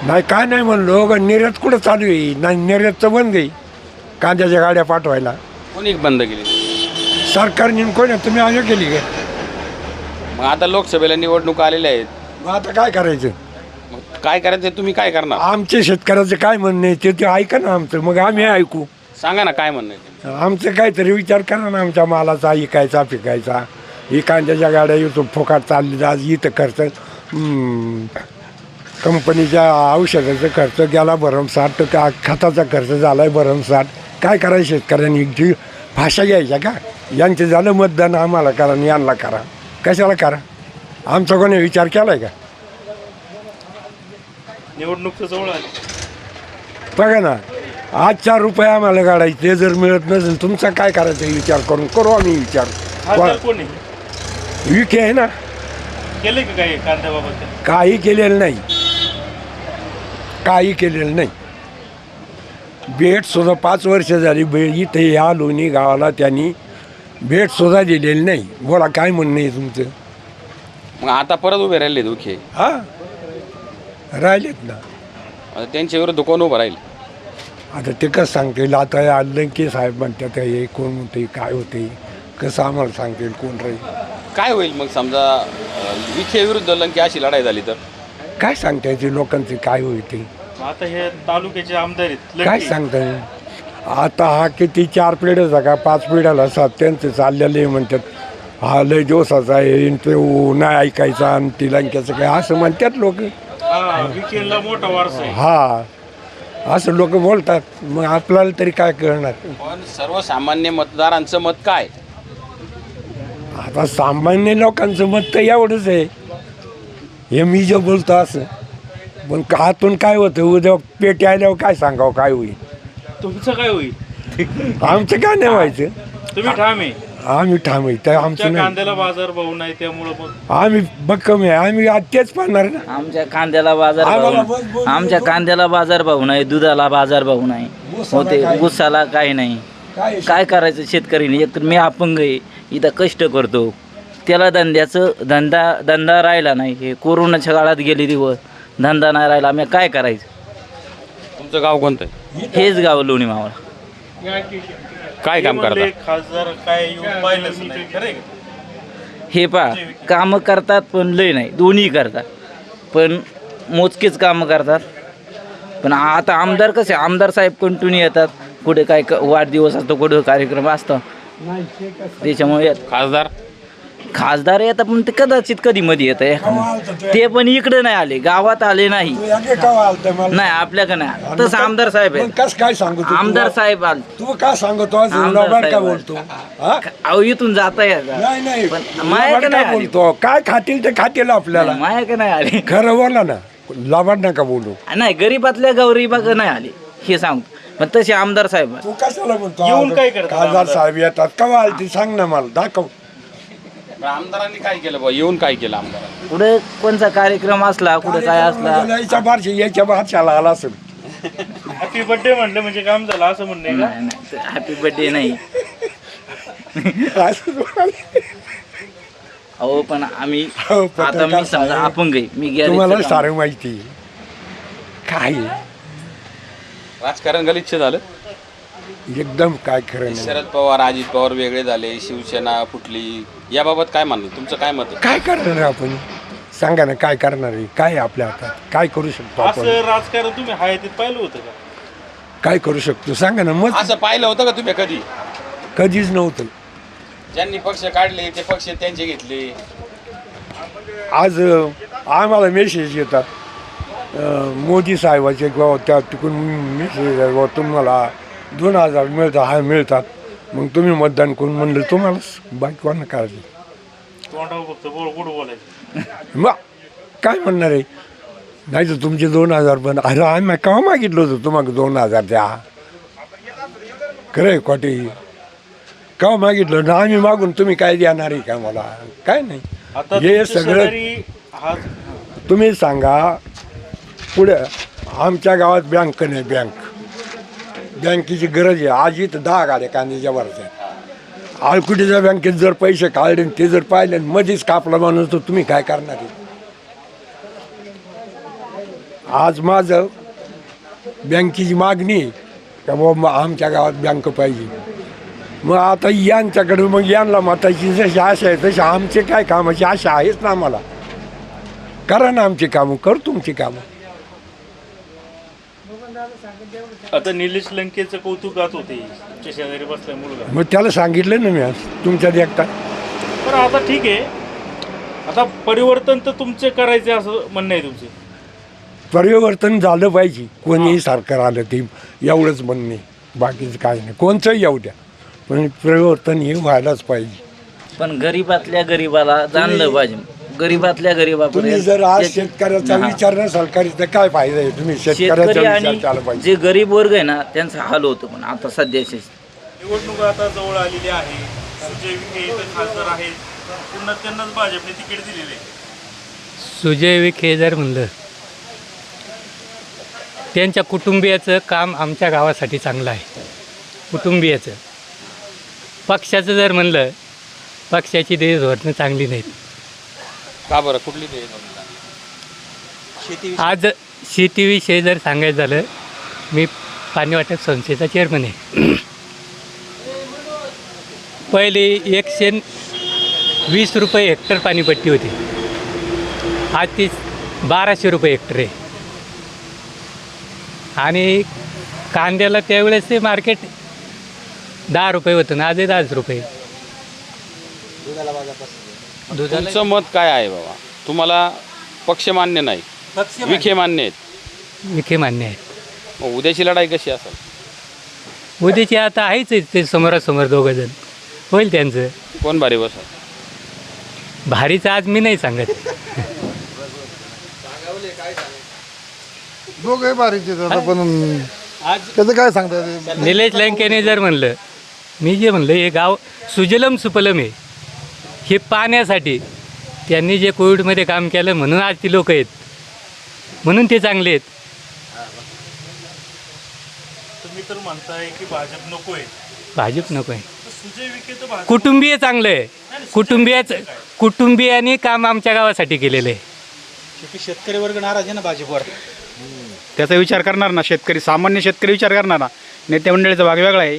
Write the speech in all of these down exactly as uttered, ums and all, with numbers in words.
नाही काय नाही म्हणलो ग, निर्यात कुठं चालू आहे? नाही निर्यातचं बंद आहे कांद्याच्या गाड्या पाठवायला. कोणी बंद केली? सरकारने कोणी तुम्ही आम्ही केली काय? मग आता लोकसभेला निवडणूक आलेल्या आहेत, मग आता काय करायचं? मग काय करायचं तुम्ही काय करणार? आमचे शेतकऱ्याचं काय म्हणणं आहे ते ते ऐका ना आमचं, मग आम्ही ऐकू. सांगा ना काय म्हणणं आहे ते. आमचं काहीतरी विचार करा ना, आमच्या मालाचा इकायचा पिकायचा. ही कांद्याच्या गाड्या इथं फुकाट चालली आज इथं खर्च हम्म, कंपनीच्या औषधाचा खर्च गेला भरमसाठ, का खताचा खर्च झाला आहे भरमसाठ. काय करायचं शेतकऱ्यांनी? जी भाषा घ्यायच्या का? यांचं झालं मतदान आम्हाला करा आणि यांना करा, कशाला करा? आमचा कोणी विचार केला आहे का? निवडणूक जवळ आली. बघा ना, आज चार रुपये आम्हाला काढायचे, ते जर मिळत नसेल तुमचा काय करायचा विचार करून करू आम्ही विचार. खासदार कोणी विखे आहे ना, केले का काही कांद्याबाबत? काही केलेलं नाही, काही केलेलं नाही. भेटसुद्धा पाच वर्ष झाली बे इथे या लोणी गावाला त्यांनी भेटसुद्धा दिलेली नाही. बोला काय म्हणणं आहे तुमचं? मग आता परत उभे राहिले दुखे, हां राहिलेत ना. आता त्यांच्या विरुद्ध कोण उभं राहील? आता ते कसं सांगतील? आता लंके साहेब म्हणतात हे कोण म्हणते काय होते, कसं आम्हाला सांगतील कोण राहील? काय होईल मग समजा अं, विखे विरुद्ध लंके अशी लढाई झाली तर? काय सांगता येते लोकांचे काय होईल ते? आता हे तालुक्याचे आमदार आहेत काय लंके. सांगता येईल? आता हा किती चार पिढ्याचा का पाच पिढ्याला सात त्यांचं चाललेले म्हणतात हा लय दिवसाचा आहे आणि तो नाही ऐकायचा आणि ती लंक्याचं काय असं म्हणतात लोक. हा, विखेला मोठा वारसा आहे. हा असं लोक बोलतात, मग आपल्याला तरी काय कळणार? पण सर्वसामान्य मतदारांचं मत काय? आता सामान्य लोकांचं मत तर एवढंच आहे, हे मी जे बोलतो असं. पण आतून काय होतं उद्या पेटी आल्यावर काय सांगावं काय होईल? तुमचं काय होईल? आमचं काय नाही व्हायचं, तुम्ही ठाम आहे. आम्ही ठाम आहे तर आमचं तुमच्या नाही. कांद्याला बाजार भाव नाही त्यामुळं मग आम्ही भक्कम आहे, आम्ही आज तेच पाहणार ना. आमच्या कांद्याला बाजार आम्हाला भाव बस बोल- आमच्या कांद्याला बाजार भाव नाही, दुधाला बाजार भाव नाही, होते काही- ऊसाला काही नाही. काय काय करायचं शेतकरीने? एक तर मी अपंग आहे, इथं कष्ट करतो, त्याला धंद्याचं धंदा धंदा राहिला नाही. हे कोरोनाच्या काळात गेले दिवस, धंदा नाही राहिला, आम्ही काय करायचं? तुमचं गाव कोणतं आहे? हेच गाव लोणी मावळा. काय काम म्हणले करता? खासदार काय येऊन पाहिलंच नाही, खरं आहे का? हे पा कामं करतात पण लय नाही, दोन्ही करतात पण मोजकेच कामं करतात. पण आता आमदार कसे, आमदार साहेब कंटिन्यू येतात, कुठे काय क- वाढदिवस असतो, कुठे कार्यक्रम असतो, त्याच्यामुळे येत- खासदार खासदार येतात पण ते कदाचित कधी मध्ये येत आहे, ते पण इकडे नाही आले, गावात आले नाही. नाही आपल्याकडे नाही, तसं आमदार साहेब आहेत. कस काय सांगू तू? आमदार साहेब आले, तू काय सांगतो आज आमदार लबाड का साहेब. बोलतो? हा? अहो इथून जाता येत नाही नाही पण लबाड मायाकडे का नाही आली. बोलतो? काय खातील ते खातील आपल्याला. मायाकडे नाही आले. खरं बोला ना, लबाड नका बोलू. नाही गरीबातल्या गरीबाग नाही आले, हे सांगतो. पण तसे आमदार साहेब तू कशाला बोलतो? येऊन काय करतात खासदार आमदार? साहेब येतात का आलती सांग ना मला, दाखव. आमदारांनी काय केलं बा? येऊन काय केलं आमदारांनी? कुठे कोणता कार्यक्रम असला, कुठे काय असला, याच्या बारशी याच्या बारशाला आला असेल. हॅपी बर्थडे म्हणलं म्हणजे काम झालं असं म्हणणं आहे का? नाही नाही हॅपी बर्थडे नाही. असं बोलायला. अहो पण आम्ही हो, पत्रकार आता मी समजा साहेब, अपंग आहे, मी तुम्हाला गॅरेजचं काम- सारं माहिती आहे. काय आहे? राजकारण गलिच्छ झालं. एकदम काय खरं नाही. शरद पवार अजित पवार वेगळे झाले, शिवसेना फुटली, याबाबत काय म्हणणं? तुमचं काय मत आहे? काय करणार आहे आपण? सांगा ना काय करणार आहे? काय आहे आपल्या हातात? काय करू शकतो आपण? असं राजकारण तुम्ही हाय ते पाहिलं होतं का? काय करू शकतो सांगा ना. मग असं पाहिलं होतं का तुम्ही कधी? कधीच नव्हतं. ज्यांनी पक्ष काढले ते पक्ष त्यांचे घेतले. आज अं, आम्हाला मेसेज येतात अं, मोदी साहेबाचे किंवा त्या तिकडून मेसेज आहे, तुम्हाला दोन हजार मिळतात, हा मिळतात, मग तुम्ही मतदान करून म्हणलं तुम्हाला बाकी कोणा काळजी. तोंडावर फक्त बोल गोड बोलायचं. मग काय म्हणणार आहे? नाही तर तुमचे दोन हजार पण अरे आम्ही केव्हा मागितलं होतं तुम्हाला दोन हजार द्या? खरं आहे खोटे? केव्हा मागितलं ना आम्ही मागून तुम्ही काय देणार आहे का मला? काय नाही. आता हे तुमच्या सगळं शेजारी हा तुम्ही सांगा. पुढे आमच्या गावात बँक नाही, बँक बँकेची गरज आहे. आज इथं दहा गाड्या कांद्याच्या वरच्या आळकुटीच्या बँकेत जर पैसे काढले आणि ते जर पाहिले आणि मध्येच कापला माणूस तर तुम्ही काय करणार आहे? आज माझं बँकेची मागणी आहे का बाबा आमच्या गावात बँक पाहिजे. मग आता यांच्याकडे मग यांना मताची जशी आशा आहे तशी आमचे काय कामाची आशा आहेच ना आम्हाला. करा ना आमची कामं, कर तुमची कामं. आता निलेश लंकेचं कौतुकात होते तुमच्या शेजारी बसलाय मुलगा. मग त्याला सांगितलं ना मी आज तुमच्या देखता. पण आता ठीक आहे, आता परिवर्तन तर तुमचे करायचे असं म्हणणं आहे तुमचे. परिवर्तन झालं पाहिजे, कोणीही सरकार आलं ते एवढंच म्हणणे, बाकीचं काय नाही. कोणचंही येऊ द्या, पण परिवर्तन हे व्हायलाच पाहिजे. पण गरीबातल्या गरीबाला जाणलं पाहिजे. गरीबातल्या तुम्ही गरीबापर्यंत जर आज जे- शेतकऱ्याचा हा. विचार नसाल करीत तर काय फायदा आहे. तुम्ही शेतकऱ्याचा शेतकरी विचार आणि केला पाहिजे. जे गरीब वर्ग आहे ना त्यांचा हाल होतो. पण आता सध्याचे निवडणूक आता जवळ आलेली आहे. सुजय विखे इथं खासदार आहेत, पुन्हा त्यांनाच भाजपने तिकीट दिलेले आहे. सुजय विखे जर म्हणलं, त्यांच्या कुटुंबियाचं काम आमच्या गावासाठी चांगलं आहे. कुटुंबियाचं. पक्षाचं जर म्हणलं, पक्षाची ते धोरणं चांगली नाहीत. का बरं, कुठली ते आज शेतीविषयी जर सांगायचं झालं, मी पाणी वाटप संस्थेचा चेअरमन आहे. पहिले एकशे वीस रुपये हेक्टर पाणीपट्टी होती, आज ती बाराशे रुपये हेक्टर आहे. आणि कांद्याला त्यावेळेस ते मार्केट दहा रुपये होतं ना, आजही दहाच रुपये. दुधाला तुमचं मत काय आहे बाबा? तुम्हाला पक्ष मान्य नाही, विखे मान्य आहेत. विखे मान्य आहे. मग उद्याची लढाई कशी असेल? उद्याची आता आहेच आहे ते समोरासमोर दोघं जण. होईल त्यांचं. कोण भारी बस? भारीचं आज मी नाही सांगत. दोघे बारीचे पण त्याचं काय सांगता. निलेश लंकेने जर म्हणलं, मी जे म्हणलं हे गाव सुजलम सुपलम आहे, हे पाण्यासाठी त्यांनी जे कोविडमध्ये काम केलं म्हणून आज ती लोक आहेत, म्हणून ते चांगले आहेत. तुम्ही तर म्हणताय की भाजप नको आहे, भाजप नको आहे. तर सुजय विखे तर भाजप कुटुंबीय चांगलं आहे. कुटुंबियाचं कुटुंबियांनी काम आमच्या गावासाठी केलेलं आहे. शेतकरी वर्ग नाराज आहे ना भाजपवर. त्याचा विचार करणार ना शेतकरी, सामान्य शेतकरी विचार करणार ना. नेते मंडळीचा भाग वेगळा आहे.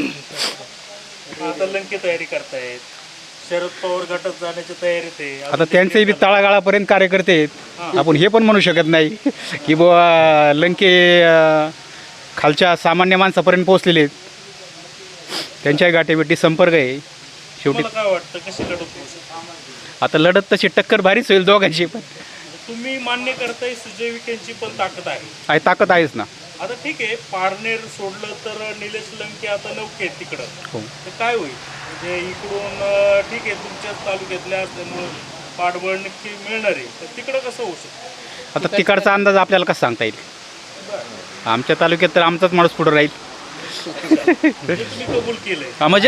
आता लंके तयारी करतायत, शरद पवार गटात जाण्याच्या तयारीत आहे. आता त्यांचेही बी तळागाळापर्यंत कार्यकर्ते आहेत. आपण हे पण म्हणू शकत नाही की बुवा लंके अं, खालच्या सामान्य माणसापर्यंत पोहोचलेले आहेत. त्यांच्याही गाठीभेटी संपर्क आहे. शेवटी तुम्हाला काय वाटतं, कशी लढत होऊ शकते? आता लढत तशी टक्कर भारीच होईल दोघांची, पण तुम्ही मान्य करताय सुजय विखेंची पण ताकद आहे. आहे ताकद आहेच ना. आता ठीक आहे, पारनेर सोडलं तर निलेश लंके आता नौके आहेत तिकडं. हो. तर काय होईल म्हणजे इकडून अं, ठीक आहे तुमच्याच तालुक्यातल्या असल्यामुळं पाठबळ नक्की मिळणार आहे, तर तिकडं कसं होऊ शकतं? आता तिकडचा अंदाज आपल्याला कसा सांगता येईल. आमच्या तालुक्यात तर आमचाच माणूस पुढे राहील. हे तुम्ही कबूल केलंय. हा, म्हणजे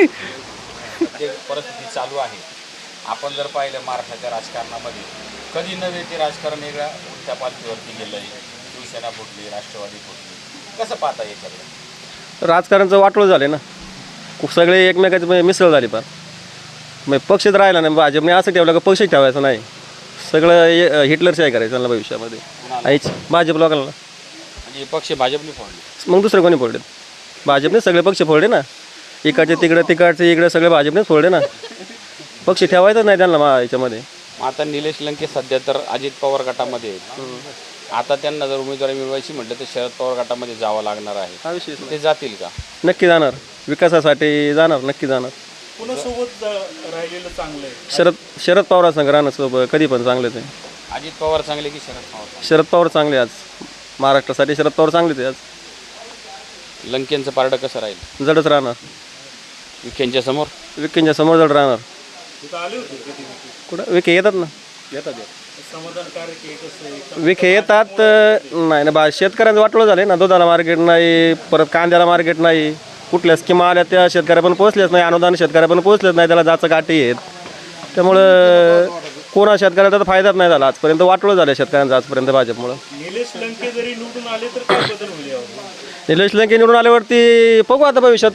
जे परिस्थिती चालू आहे, आपण जर पाहिलं महाराष्ट्राच्या राजकारणामध्ये कधी नव्हे ते राजकारण वेगळ्या उलट्या पालखीवरती गेलं आहे. शिवसेना फुटली, राष्ट्रवादी फुटली. कसं पाहता याच्याकडे? राजकारणचं वाटोळं झाले ना. खूप सगळे एकमेकाचे म्हणजे मिसळ झाली फार. मग पक्षच राहिला नाही. भाजपने असं ठेवलं का पक्षच ठेवायचं नाही. सगळं हे हिटलरशाही करायचं त्यांना भविष्यामध्ये. आईच भाजप लोकांना. म्हणजे पक्ष भाजपने फोडले, मग दुसरं कोणी फोडले? भाजपने सगळे पक्ष फोडले ना. इकडचे तिकडे तिकडचे इकडे सगळे भाजपनेच फोडले ना. पक्ष ठेवायचं नाही त्यांना मा याच्यामध्ये. आता निलेश लंके सध्या तर अजित पवार गटामध्ये आहेत. आता त्यांना जर उमेदवारी मिळवायची म्हटलं तर शरद पवार गटामध्ये जावं लागणार आहे. हा विषय ते जातील का? नक्की जाणार. विकासासाठी जाणार, नक्की जाणार. पुन्हा सोबत जा- राहिलेलं चांगलं आहे. शरद शरद पवार संग राहणार सोबत कधी पण चांगलेच आहे. अजित पवार चांगले की शरद पवार चांगले? शरद पवार चांगले आज. महाराष्ट्रासाठी शरद पवार चांगलेच आहे आज. लंकेंचं पारडं कसं राहील? जडच राहणार. विखेंच्या समोर? विकेंच्या समोर जड राहणार. तिथं आले होते कधी विखे? कुठं विखे येतात ना. समाधानकारक आहे कसं आहे? विखे येतात. नाही ना बा, शेतकऱ्यांचं वाटलं झालं ना. दुधाला मार्केट नाही, परत कांद्याला मार्केट नाही. कुठल्या स्कीमा आल्या त्या शेतकऱ्यापर्यंत पोहोचल्याच नाही. अनुदान शेतकऱ्यापर्यंत पोहोचलेच नाही. त्याला जाचं गाठी आहेत. त्यामुळं कोणा शेतकऱ्याचा तर फायदाच नाही झाला आजपर्यंत. वाटलं झालं शेतकऱ्यांचं आजपर्यंत भाजपमुळं. निलेश लंके जरी निवडून आले तर काय बदल होईल यावर? निलेश लंके निवडून आल्यावरती बघू आता भविष्यात.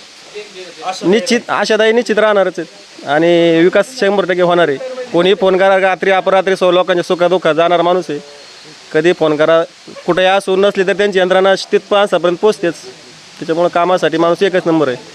निश्चित आशादायी निश्चित राहणारच आहेत. आणि विकास शंभर टक्के होणार आहे. कोणी फोन करा रात्री अपरात्री सो लोकांच्या सुखादुःखात जाणार माणूस आहे. कधी फोन करा, कुठेही असू नसली तर त्यांची यंत्रणा तिथं माणसापर्यंत पोचतेच. त्याच्यामुळं कामासाठी माणूस एकच नंबर आहे.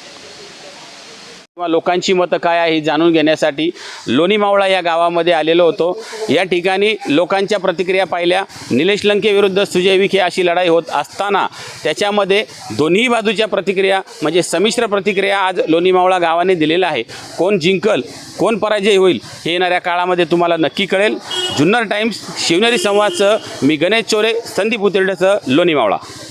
किंवा लोकांची मतं काय आहे हे जाणून घेण्यासाठी लोणी मावळा या गावामध्ये आलेलो होतो. या ठिकाणी लोकांच्या प्रतिक्रिया पाहिल्या. निलेश लंके विरुद्ध सुजय विखे अशी लढाई होत असताना त्याच्यामध्ये दोन्ही बाजूच्या प्रतिक्रिया म्हणजे संमिश्र प्रतिक्रिया आज लोणी मावळा गावाने दिलेला आहे. कोण जिंकल, कोण पराजय होईल हे येणाऱ्या काळामध्ये तुम्हाला नक्की कळेल. जुन्नर टाइम्स, शिवनेरी संवादसह मी गणेश चोरे, संदीप उतिरडेसह लोणी मावळा.